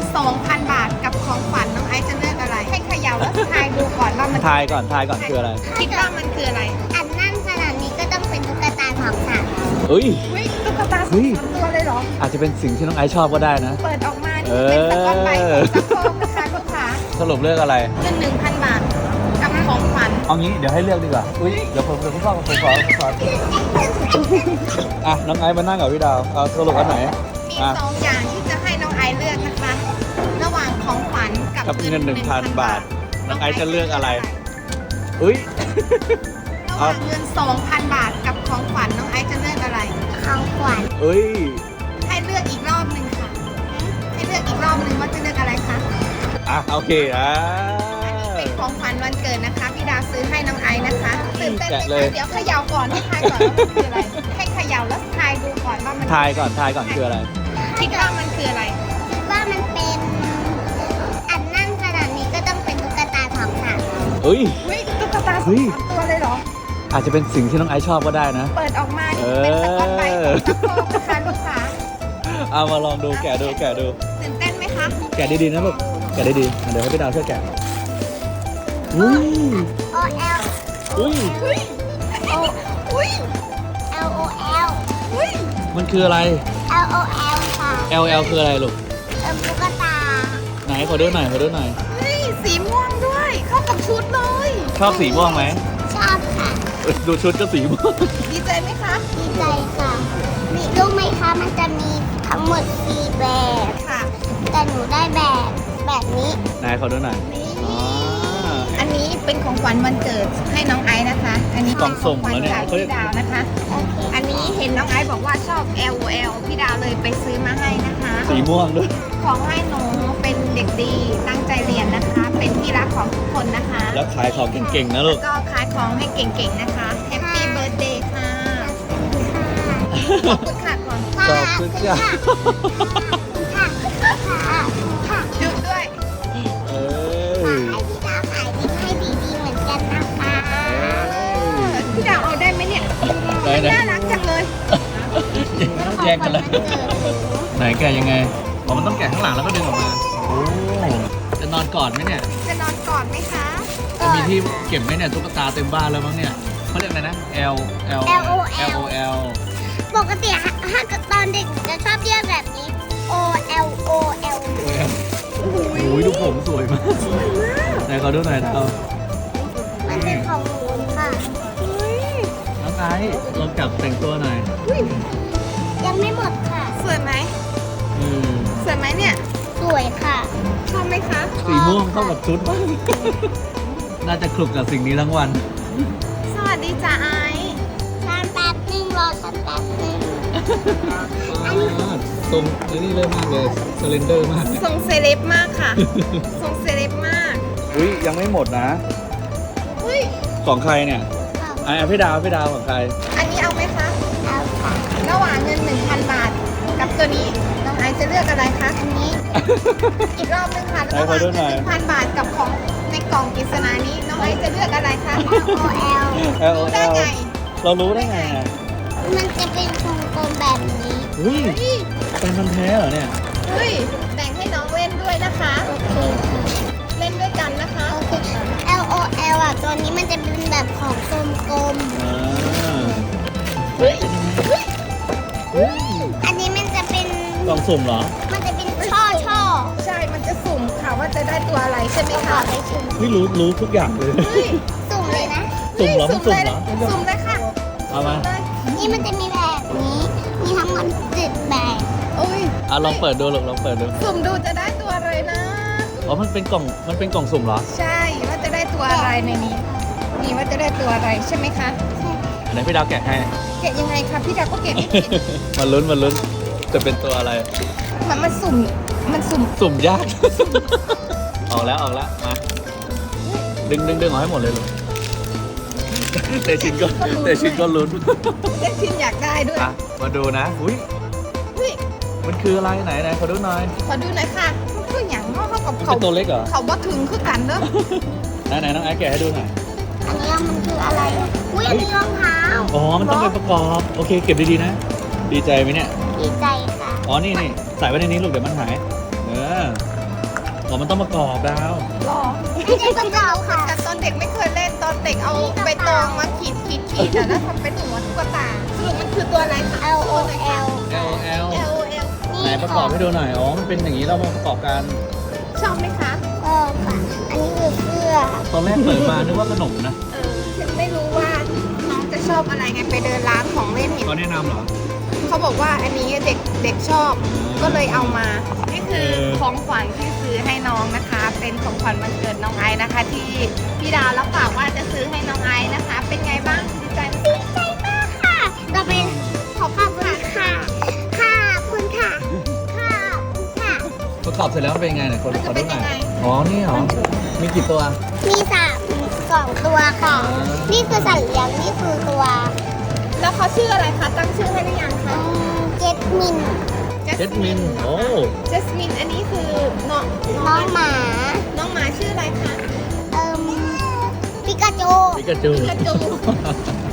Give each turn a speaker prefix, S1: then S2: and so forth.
S1: 2,000 บาทกับของขวัญน้องไอซ์จะเลือกอะไร ให้เขย่าแล้วทายดูก่อนว่ามัน
S2: ทายก่อนคืออะไร
S1: คิดว่ามันคืออะไร
S3: อันนั่นขนาดนี้ก็ต้องเป็นตุ๊กตาของฉัน
S2: เฮ้ย
S1: อุ้ยตุ๊กตา
S2: เฮ้
S1: สอง
S2: ย
S1: สามตัวเลยเหรอ
S2: อาจจะเป็นสิ่งที่น้องไอซ์ชอบก็ได้นะ
S1: เปิดออกมานี่เป็นสกอตไบรท์ของซักโครกนะคะลูกค้า
S2: สรุปเลือกอะไร
S1: เงิน 1,000 บาทกับของขวัญ
S2: เอางี้เดี๋ยวให้เลือกดีกว่า อุ้ยเดี๋ยวผมขออ่ะน้องไอซ์มานั่งกับพี่ดาวเอาสรุปอันไหน
S1: มี
S2: อ่ะ
S1: 2 อย่างที่จะให้น้องไอซ์เลือกนะคะ ระหว่างของขวัญกับ
S2: กับเงิน 1,000 บาท น้องไอซ์จะเลือกอะไร
S1: เ
S2: อุ้ย
S1: ระหว่างเงิน 2,000 บาทกับของขวัญน้องไอซ์จะเลือกอะไร
S3: ของขวัญ
S2: เอ้ย
S1: ให้เลือกอีกรอบหนึ่งค่ะ ให้เลือกอีกรอบหนึ่งว่าจะเลือกอะไรคะ
S2: อ่ะโอเค
S1: เป็นของขวัญวันเกิดนะคะ พี่ดาวซื้อให้น้องไอซ์นะคะตื่นเต้นไหม
S2: แกะเลย
S1: คะเดี๋ยวเขย่าก่อนให้ทายก่อนว่ามันคืออะไร ให้เขย่าแล้วทายดูก่อนว่ามัน
S2: ทายก่อนคืออะไร
S1: คิดว่ามันคืออะไร
S3: คิดว่ามันเป็นอันนั่นขนาดนี้ก็ต้องเป็นตุ๊กตาของฉัน
S2: เฮ้ย
S1: เฮ้ยตุ๊กตา
S2: เฮ้
S1: สอง
S2: ย
S1: สามตัวเลยเหรอ
S2: อาจจะเป็นสิ่งที่น้องไอซ์ชอบก็ได้นะ
S1: เปิดออกมานี่เป็นสกอตไบรท์ของซักโครกนะคะลูกค้า
S2: เอามาลองดูแกะดู
S1: ตื่นเต้นไหมคะ
S2: แกะดีๆนะลูก แกะดีๆเดี๋ยวให้พี่ดาวช่วยแกะ อุ้ย
S3: O L
S2: อุ้ย
S1: เฮ้ยโอ้อุ้ย
S3: L O L
S1: อุ้ย
S2: มันคืออะไร
S3: L O L ค่ะ
S2: LL คืออะไรลูก
S3: ตุ๊กตา
S2: ไหนขอดูหน่อย
S1: เฮ้ยสีม่วงด้วย เข้ากับชุดเลย
S2: ชอบสีม่วงไหม
S3: ชอบค่ะ
S2: ดูชุดก็สีม่วง
S1: ดีใจไหมคะ
S3: ดีใจค่ะมีรู้ไหมคะมันจะมีทั้งหมด4แบบ
S1: ค่ะ
S3: แต่หนูได้แบบนี้
S2: ไหนขอดูหน่อย
S1: นี่
S2: อ๋อ
S1: อันนี้เป็นของขวัญวันเกิดให้น้องไอซ์นะคะ อันนี้
S2: กล่
S1: เป็
S2: อน ง
S1: ข
S2: สุ่
S1: อง
S2: ม
S1: ขวัญ
S2: แล้วเนี่ย
S1: จากพี่ดาวนะคะ
S3: โอเค
S1: อันนี้เห็นน้องไอซ์บอกว่าชอบ LOL พี่ดาวเลยไปซื้อมาให้นะคะ
S2: สีม่วงด้วย
S1: ของให้หนูเป็นเด็กดีตั้งใจเรียนนะคะ เป็นที่รักของทุกคนนะคะ
S2: แล้วขายของเก่งๆนะลูก
S1: ก็ขายของให้เก่งๆนะคะ Happy Birthday ค่ะ ขอบคุณค่ะก่อน
S2: ขอบคุณค่ะ
S3: ค่ะ
S1: จุดด้วย
S2: เอ้
S3: ขอย ให้พี่ดาวขายดีให้ดีๆเหมือนกันนะคะ
S1: พี่ดาวเอาได้ไหมเนี่ย
S2: ไหน
S1: น่ารักจังเลย
S2: แยกกันเลย ไหนแกะยังไงอ๋อมันต้องแกะข้างหลังแล้วก็ดึงออกมา โอ้จะนอนกอดไหมเนี่ย
S1: จะนอนกอดไหมคะ
S2: จะมีที่เก็บไหมเนี่ยตุ๊กตาเต็มบ้านแล้วมั้งเนี่ยเขาเรียกอะไรนะ L
S3: ปกติถ้าตอนเด็กจะชอบเรียกแบบนี้ O L O L
S2: โอ้ยดูผมสวยมากไหนขอดูหน่อยเอา
S3: มันเป็นของหนูค่ะ
S2: น้องไอซ์ลองจับแต่งตัวหน่อย
S3: ยังไม่หมดค่ะ
S1: สวยไหม
S2: อืม
S1: สวยไหมเนี่ย
S3: สวยค่ะ
S1: ชอบไหมคะ
S2: สีม่วงเข้ากับชุดมากน่าจะคลุกกับสิ่งนี้ทั้งวัน
S1: สวัสดีจ้าไอซ์
S3: ฉันแป๊บนึงรอฉันแป๊บนึง
S2: ทรงนี่เลยมากเลยสเลนเดอร์มาก
S1: ทรงเซเลบมากค่ะ ทรงเซเลบมาก
S2: อุ้ยยังไม่หมดนะ
S1: อุ้ย
S2: ของใครเนี่ยไอ้พี่ดาวของใคร
S1: อันนี้เอาไหมคะ
S3: เอาค่ะ
S1: ระหว่างเงิน 1,000 บาท กับตัวนี้ น้องไอซ์จะเลือกอะไรคะอันนี้ อีกรอบนึงค่ะ
S2: ไหน
S1: ระห
S2: ขอ
S1: ว่าง
S2: ดู
S1: เงิ
S2: หน่อย
S1: น 1,000 บาทกับของในกล่องปริศนานี้ น้องไอซ์จะเลือกอะไรคะ
S3: O L
S2: L
S1: ได้ไง
S2: เรารู้ได้ไงอ่ะ
S3: มันจะเป็นวงกลมแบบนี้
S2: อุ้ย
S1: เฮ้ย
S2: เป็นมันแท้เหรอเนี่ย
S1: เฮ้ยแต่งให้น้องเล่นด้วยนะคะ
S3: โอเคค่ะ
S1: เล่นด้วยกันนะคะ
S3: โอเค L O L อ่ะตัวนี้มันจะเป็นแบบของกลม
S2: อ่า
S1: เฮ้ย
S3: ๆอันนี้มันจะเป็น
S2: กล่องสุ่มเหรอ
S3: มันจะเป็นช่อ
S1: ใช่ มันจะสุ่มค่ะว่าจะได้ตัวอะไรใช่ไหม
S3: ๆขอ
S1: คะ
S3: ไปชิม
S2: ไม่รู้ทุกอย่างเลย
S1: เฮ้ย
S3: สุ่มเลยนะ
S2: สุ่มเหรอมันสุ่มเหรอ
S1: สุ่มเลยค่ะ
S2: เอามา
S1: เลย
S3: นี่มันจะมีแบบนี้ มีทั้งหมด7แบบ
S1: อุ้ย
S2: อ่ะลองเปิดดูลูกลองเปิดดู
S1: สุ่มดูจะได้ตัวอะไรนะ
S2: อ๋อมันเป็นกล่องสุ่มเหรอ
S1: ใช่ว่าจะได้ตัวอะไรในนี้ นี่ว่าจะได้ตัวอะไรใช่ไหมคะ
S2: ไหนพี่ดาวแกะให้
S1: เก็บยังไงคะพี่ดาวก็เก็บไม่เป็น
S2: มันลุ้นจะเป็นตัวอะไร
S1: มันสุ่ม
S2: สุ่มยาก ออกแล้วมาดึงออกให้หมดเลยลูกแต่ชินก็ลุ้น
S1: เล็กชินอยากได้ด้วย
S2: อ่ะมาดูนะอุ้ย
S1: เฮ้ย
S2: มันคืออะไรไหนขอดูหน่อย
S1: ขอดูหน่อยค่ะมันคืออย่างเนาะเขากับ
S2: มัน
S1: เขา
S2: เป็นตัวเล็กเหรอ
S1: เขาบ่ถึงคือกันเนอะ
S2: ไหนน้องไอซ์แกะให้ดูหน่อย
S3: อันนี้มันคืออะไร อุ้ยอันนี้รองเท้า
S2: อ๋อมันต้องเป็นประกอบโอเคเก็บดีๆนะ ดีใจไหมเนี่ย
S3: ดีใจค่ะ
S2: อ๋อนี่ใส่ไว้ในนี้ลูกเดี๋ยวมันหายเอออ๋อมันต้องประกอบดาว
S1: หรอ
S3: ไม่ใช่ประกอบค่ะ
S1: แต่ตอนเด็กไม่เคยเล่นตอนเด็กเอาใบตองมาขีดแล้วทำเป็นหัวตุ๊กตาสรุปมันคือตัวอะไรคะ
S3: L O L
S2: L L
S1: L O L
S2: ไหนประกอบให้ดูหน่อย อ๋อ มันเป็นอย่างนี้เรามาประกอบกัน
S1: ชอบไหมคะ
S3: ก็ค่ะ อันนี้คือเสื้อ
S2: ตอนแรกเปิดมานึกว่าขนมนะ
S1: ฉันไม่รู้ว่าน้องจะชอบอะไรไงไปเดินร้านของเล่นเห็น
S2: เขาแนะนำเหรอ
S1: เขาบอกว่าอันนี้เด็กชอบ ก็เลยเอามา นี่คือ
S2: เออ
S1: ของขวัญที่ซื้อให้น้องนะคะ เป็นของขวัญวันเกิดน้องไอซ์นะคะ ที่พี่ดาวรับปากว่าจะซื้อให้น้องไอซ์นะคะ เป็นไงบ้างดีใจไหม
S3: ดีใจมากค่ะต่อไปขอบคุณค่ะ ค่ะคุณค่ะ ค่ะคุณค่ะ
S2: ประกอบเสร็จแล้วมันเป็นยังไงไหนคน
S1: มัน
S2: ข
S1: จะ
S2: อ
S1: เป็
S2: ดู
S1: น
S2: หน่
S1: ยั
S2: อง
S1: ไง
S2: ยอ๋อ นี่เหรอ มีกี่ตัว
S3: มี2 ตัวค่ะ นี่คือสัตว์เลี้ยง นี่คือตัว
S1: แล้วเขาชื่ออะไรคะ ตั้งชื่อให้หรือยังคะ
S3: เจสมิน
S2: เจสมิน โอ้
S1: เจสมิน อันนี้คือน้อง
S3: น้องหมา
S1: น้องหมาชื่ออะไรคะ
S3: ปิกาจู
S2: ปิกาจู
S1: ปิกาจู